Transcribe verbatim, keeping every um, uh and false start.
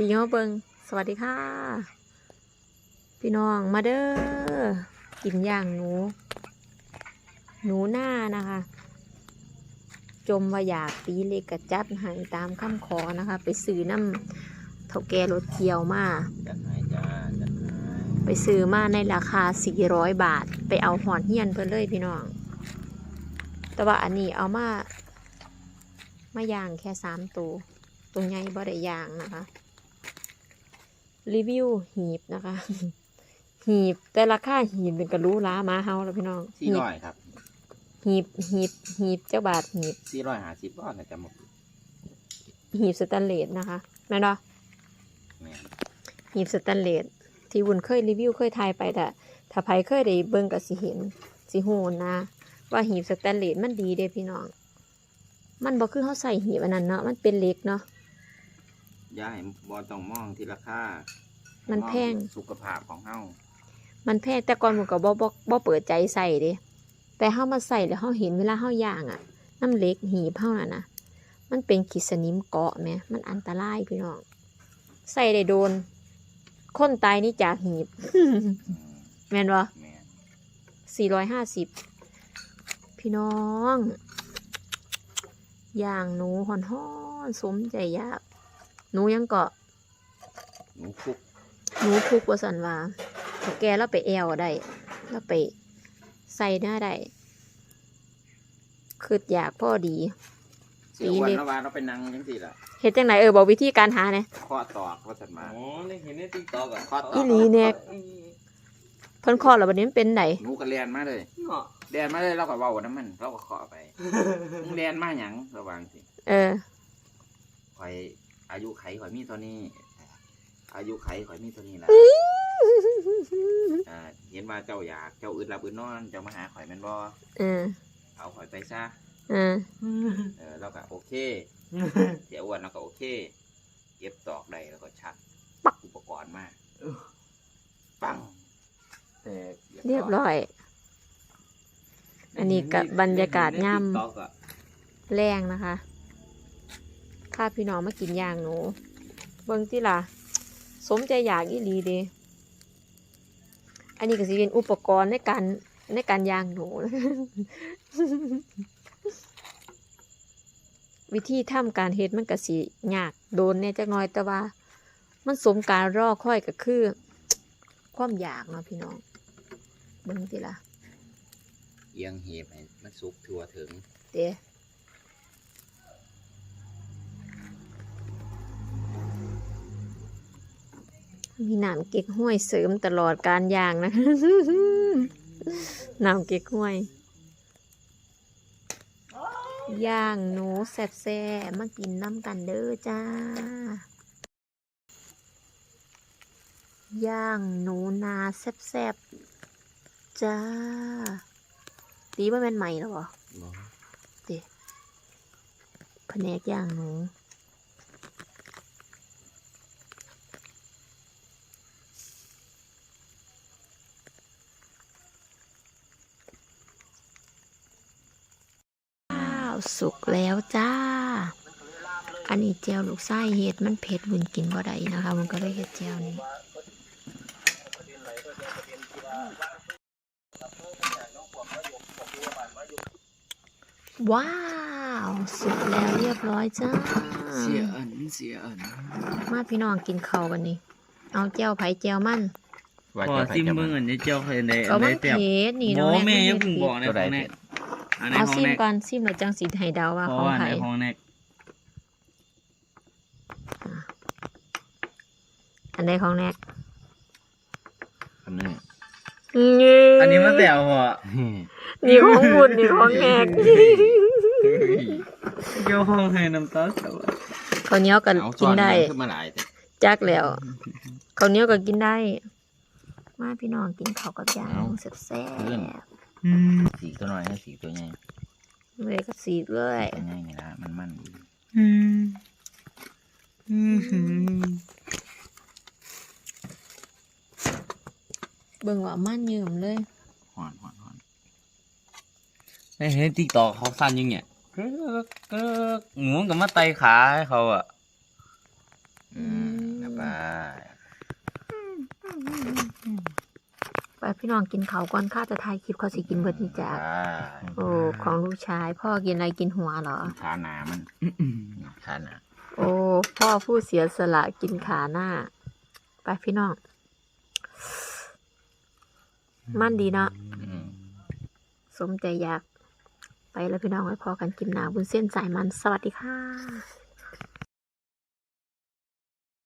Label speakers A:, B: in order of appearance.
A: พี่น้องเบิงสวัสดีค่ะพี่น้องมาเด้อกินย่างหนูหนูหน้านะคะจมว่าอยากตีเล็กกระจัดให้ตามคำขอนะคะไปซื้อน้ำเท่าแก่รถเกี่ยวมา
B: จัดให้จ้าจัดให้
A: ไปซื้อมาในราคาสี่ร้อยบาทไปเอาหอนเฮียนเพิ่นเลยพี่น้องแต่ว่าอันนี้เอามามาย่างแค่สามตัวตรงใหญ่บ่ได้ย่างนะคะรีวิวหีบนะคะหีบแต่ราคาหีบเป็นกระรู้ล้ามาเฮาแล้วพี่น้อง
B: สี่ร้อยครับ
A: หีบหีบหีบเจ้าบาทหีบ
B: สี่ร้อยห้าสิบบาทนะจ๊ะหมด
A: หีบสแตนเลสนะคะแม่นบ่หีบสแตนเลสที่วุ้นเคยรีวิวเคยทายไปแต่ถ้าใครเคยได้เบิ่งก็สิเห็นสิฮู้นะว่าหีบสแตนเลสมันดีเด้พี่น้องมันบ่คือเฮาใส่หีบอันนั้นเนาะมันเป็นเหล็กเนาะ
B: ย่าให้บอต้องมองที่ราคา
A: มันแพง
B: สุขภาพของเฮา
A: มันแพงแต่ก่อนผมก็บ่บ่บ่เปิดใจใส่เด้แต่เฮามาใส่แล้วเฮาเห็นเวลาเฮาย่างอ่ะน้ำเหล็กหีบเฮาน่ะนะมันเป็นขีดสนิมเกาะแหมมันอันตรายพี่น้องใส่ได้โดนคนตายนี่จากหีบ แม่นบ่สี่ร้อยห้าสิบพี่น้องย่างหนูฮ้อนๆสมใจอยากหนูยังเกาะ
B: หนูคุก
A: หนูคุกว่าสันว่าเขาแกแล้วไปแอวได้แล้วไปใส่หน้าได้คืออยากพ่อดี
B: เสียวันละวันเราไปนั่งยังสิล่ะ
A: เฮ็ดจังไหนเออบอกวิธีการหาเนี่ย
B: ข้อตอกว่าสันมา
C: อ๋อนี่เห็นในติ๊กต็อกอ่ะ
B: ข้อตอก
A: อีหลีเนี่ยเพิ่นคอแล้วบัดนี้มันเป็นไหน
B: หนูก็เรียนมาเลยเรียนมาเลยเราก็เว้าน้ำมันเราก็ขอไปเรียนมาหยังระวังสิ
A: เออ
B: ข่อยอายุไขข่อยมีเท่านี้อายุไขข่อยมีเท่านี้แหละเห็นว่าเจ้าอยากเจ้าอึดหลับอึดนอนเจ้ามาหาข่อยแม่นบ่
A: เออ
B: เอาข่อยไปซะ
A: เออ
B: เออเราก็โอเคเสียอ้วนเราก็โอเคเก็บตอกได้แล้วก็ชักปักอุปกรณ์มาปัง
A: แต่เรียบร้อยอันนี้กับบรรยากาศย่ำแรงนะคะข้าพี่น้องมากินย่างหนูเบิ่งที่ล่ะสมใจอยากอีหลีเด้อันนี้ก็สิเป็นอุปกรณ์ในการในการย่างหนู วิธีทำการเฮ็ดมันก็สิยากโดนเนี่ยจักหน่อยแต่ว่ามันสมการรอคอยก็คือความอยากเนาะพี่น้องเบิ่งที่ล่ะ
B: เอียงเห็บให้มันสุกทั่วถึง
A: เด้มีน้ำเก๊กห้วยเสริมตลอดการย่างนะน้ำเก๊กห้วยย่างหนูแซ่บๆมากินน้ำกันเด้อจ้าย่างหนูนาแซ่บๆจ้าตีว่าแม่นใหม่แล้วเหรอเด็แผนกย่างหนูสุกแล้วจ้าอันนี้เจลลูกไส้เห็ดมันเผ็ดบุญกินบ่ได้นะคะมันก็เลยเห็ดเจลนี้ว้าวสุกแล้วเรียบร้อยจ้า
B: เสียอันเสียอัน
A: มาพี่น้องกินข้าวกันนี่เอาเจลไผ่เจลมัน
C: พอซิมเบิ้งอันนี้เจ้าเคยใน
A: อันนี้เผ็ดนี่น้อง
C: แม่ยังเพิ่งบอกในห้องแนก
A: เอาซิมก่อนซิมแล้วจังสีไห้ดาวว่าของไผ่อันใดของแนก
B: อันนี้
C: อันนี้มันแตวหัว
A: นี่ของบุญนี่ของแนก
C: เจ้าห้องให้น้ำตาสวะ
A: ข้าวเหนียวก็กินได้จักแล้วข้าวเหนียวก็กินได้มาพี่น้องกินข้าวกับยางแซ่บ
B: สีตัวน้อยให้สีตัวใหญ่
A: เลยก็สีเลย
B: ตัวใหญ่นี่ละมันมัน
A: อืมอืมเบิ่งว่ามันยืมเลย
B: หอนหอนหอน
C: ในเห็นติ๊กต็อกเขาสั้นยังเนี่ยก็ก็หมูกับมาไตขาให้เขาอ่ะ
B: อืมแล้วไปบาย
A: ไปพี่น้องกินเขาวก่อนข้าจะถ่ายคลิปเขาสิกินเบิดนี่จ้ะ
B: บาย
A: โอ้ของลูกชาย พ่อกินอะไรกินหัวเหรอ
B: ขาหนามันขาหนา
A: โอ้พ่อผู้เสียสละกินขาหน้า ไปพี่น้อง มันดีเนาะ
B: อืม
A: สมใจอยาก ไปแล้วพี่น้องไว้พอกันกินหนาบุญเส้นสายมัน สวัสดีค่ะ